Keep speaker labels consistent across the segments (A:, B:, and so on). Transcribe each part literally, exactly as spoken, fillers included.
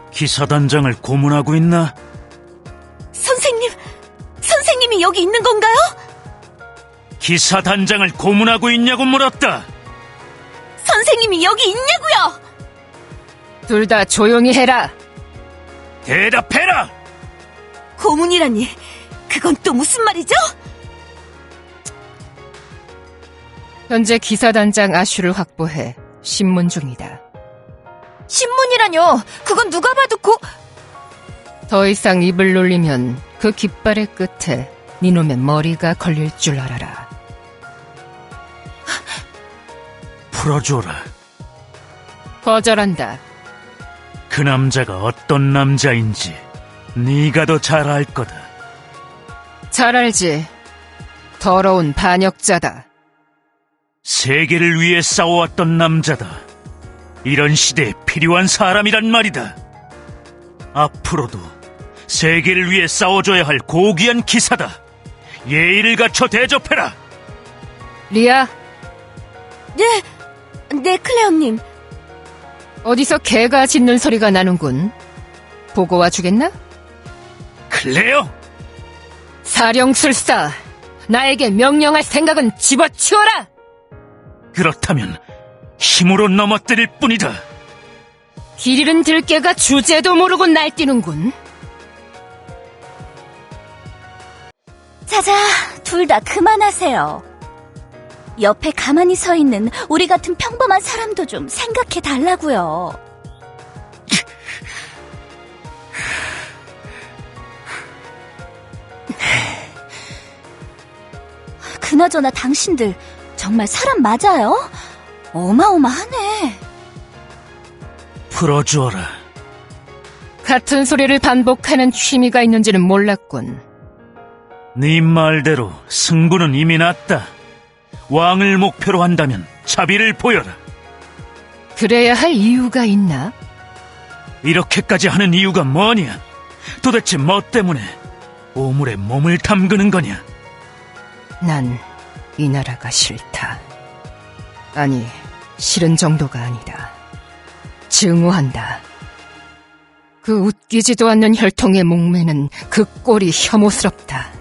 A: 기사단장을 고문하고 있나?
B: 선생님, 선생님이 여기 있는 건가요?
A: 기사단장을 고문하고 있냐고 물었다.
B: 선생님이 여기 있냐고요?
C: 둘 다 조용히 해라.
A: 대답해라!
B: 고문이라니, 그건 또 무슨 말이죠?
C: 현재 기사단장 아슈를 확보해 신문 중이다.
B: 신문이라뇨? 그건 누가 봐도 고...
C: 더 이상 입을 놀리면 그 깃발의 끝에 니놈의 머리가 걸릴 줄 알아라.
A: 풀어줘라.
C: 거절한다.
A: 그 남자가 어떤 남자인지 네가 더 잘 알 거다.
C: 잘 알지. 더러운 반역자다.
A: 세계를 위해 싸워왔던 남자다. 이런 시대에 필요한 사람이란 말이다. 앞으로도 세계를 위해 싸워줘야 할 고귀한 기사다. 예의를 갖춰 대접해라.
C: 리아,
B: 네, 네, 클레어님.
C: 어디서 개가 짖는 소리가 나는군. 보고 와주겠나?
A: 클레어!
C: 사령술사, 나에게 명령할 생각은 집어치워라!
A: 그렇다면 힘으로 넘어뜨릴 뿐이다.
C: 길 잃은 들개가 주제도 모르고 날뛰는군.
B: 자자, 둘 다 그만하세요. 옆에 가만히 서 있는 우리 같은 평범한 사람도 좀 생각해 달라고요. 그나저나 당신들 정말 사람 맞아요? 어마어마하네.
A: 풀어주어라.
C: 같은 소리를 반복하는 취미가 있는지는 몰랐군.
A: 네 말대로 승부는 이미 났다. 왕을 목표로 한다면 자비를 보여라.
C: 그래야 할 이유가 있나?
A: 이렇게까지 하는 이유가 뭐냐? 도대체 뭐 때문에 오물에 몸을 담그는 거냐?
C: 난 이 나라가 싫다. 아니, 싫은 정도가 아니다. 증오한다. 그 웃기지도 않는 혈통의 목매는 그 꼴이 혐오스럽다.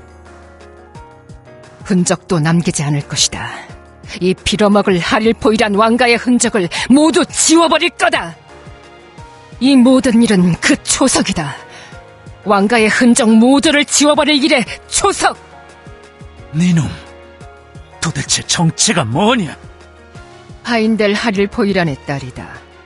C: 흔적도 남기지 않을 것이다. 이 빌어먹을 하릴포이란 왕가의 흔적을 모두 지워버릴 거다. 이 모든 일은 그 초석이다. 왕가의 흔적 모두를 지워버릴 일의 초석.
A: 네놈, 도대체 정체가 뭐냐?
C: 하인델 하릴포이란의 딸이다.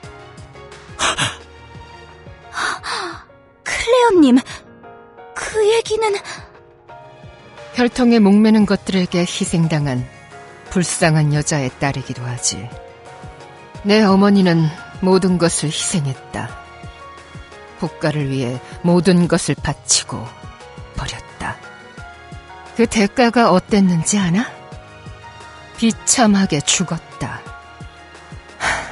B: 클레어님, 그 얘기는...
C: 혈통에 목매는 것들에게 희생당한 불쌍한 여자의 딸이기도 하지. 내 어머니는 모든 것을 희생했다. 국가를 위해 모든 것을 바치고 버렸다. 그 대가가 어땠는지 아나? 비참하게 죽었다. 하...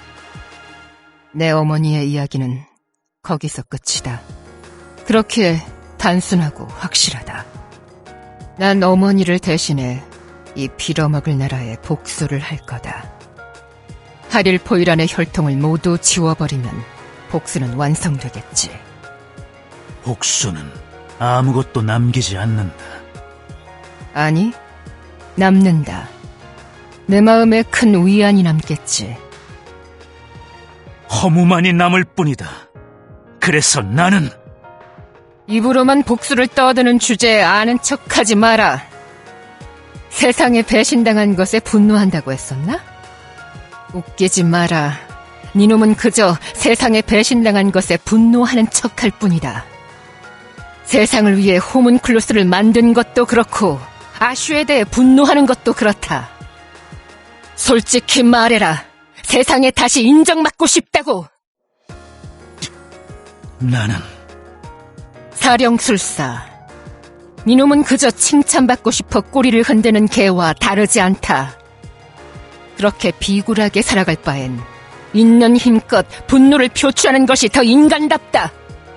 C: 내 어머니의 이야기는 거기서 끝이다. 그렇게 단순하고 확실하다. 난 어머니를 대신해 이 빌어먹을 나라에 복수를 할 거다. 하릴포이란의 혈통을 모두 지워버리면 복수는 완성되겠지.
A: 복수는 아무것도 남기지 않는다.
C: 아니, 남는다. 내 마음에 큰 위안이 남겠지.
A: 허무만이 남을 뿐이다. 그래서 나는...
C: 입으로만 복수를 떠드는 주제에 아는 척하지 마라. 세상에 배신당한 것에 분노한다고 했었나? 웃기지 마라. 니놈은 그저 세상에 배신당한 것에 분노하는 척할 뿐이다. 세상을 위해 호문클루스를 만든 것도 그렇고 아슈에 대해 분노하는 것도 그렇다. 솔직히 말해라. 세상에 다시 인정받고 싶다고.
A: 나는...
C: 사령술사, 니놈은 그저 칭찬받고 싶어 꼬리를 흔드는 개와 다르지 않다. 그렇게 비굴하게 살아갈 바엔 있는 힘껏 분노를 표출하는 것이 더 인간답다.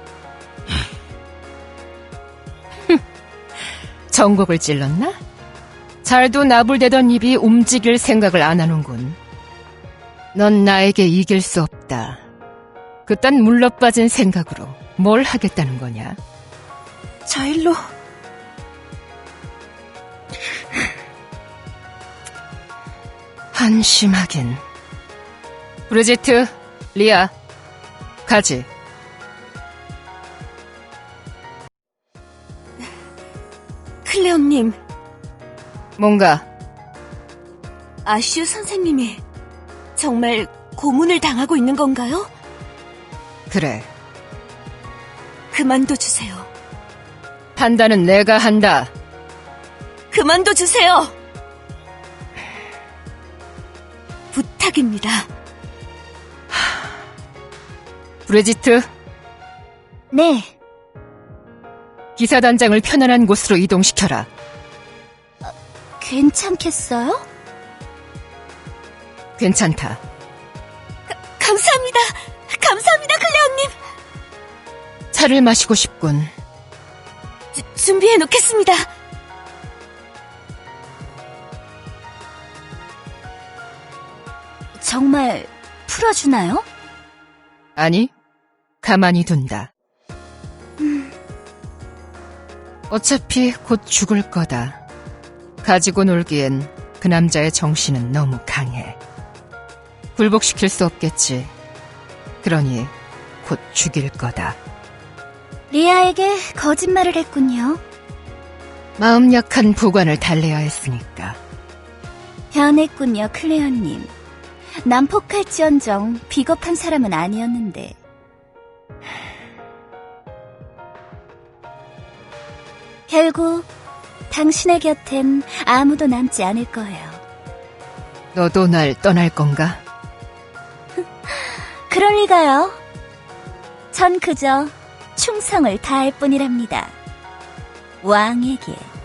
C: 정곡을 찔렀나? 잘도 나불대던 입이 움직일 생각을 안 하는군. 넌 나에게 이길 수 없다. 그딴 물러빠진 생각으로 뭘 하겠다는 거냐?
B: 저 일로.
C: 한심하긴. 브리지트, 리아, 가지.
B: 클레어님,
C: 뭔가
B: 아슈 선생님이 정말 고문을 당하고 있는 건가요?
C: 그래.
B: 그만둬 주세요.
C: 판단은 내가 한다.
B: 그만둬 주세요. 부탁입니다.
C: 브리지트,
B: 네,
C: 기사단장을 편안한 곳으로 이동시켜라.
B: 괜찮겠어요?
C: 괜찮다.
B: 감사합니다. 감사합니다, 클레어님.
C: 차를 마시고 싶군.
B: 주, 준비해 놓겠습니다. 정말 풀어주나요?
C: 아니, 가만히 둔다. 어차피 곧 죽을 거다. 가지고 놀기엔 그 남자의 정신은 너무 강해. 굴복시킬 수 없겠지. 그러니 곧 죽일 거다.
B: 리아에게 거짓말을 했군요.
C: 마음 약한 보관을 달래야 했으니까.
B: 변했군요, 클레어님. 난폭할지언정 비겁한 사람은 아니었는데. 결국 당신의 곁엔 아무도 남지 않을 거예요.
C: 너도 날 떠날 건가?
B: 그럴 리가요. 전 그저 충성을 다할 뿐이랍니다. 왕에게.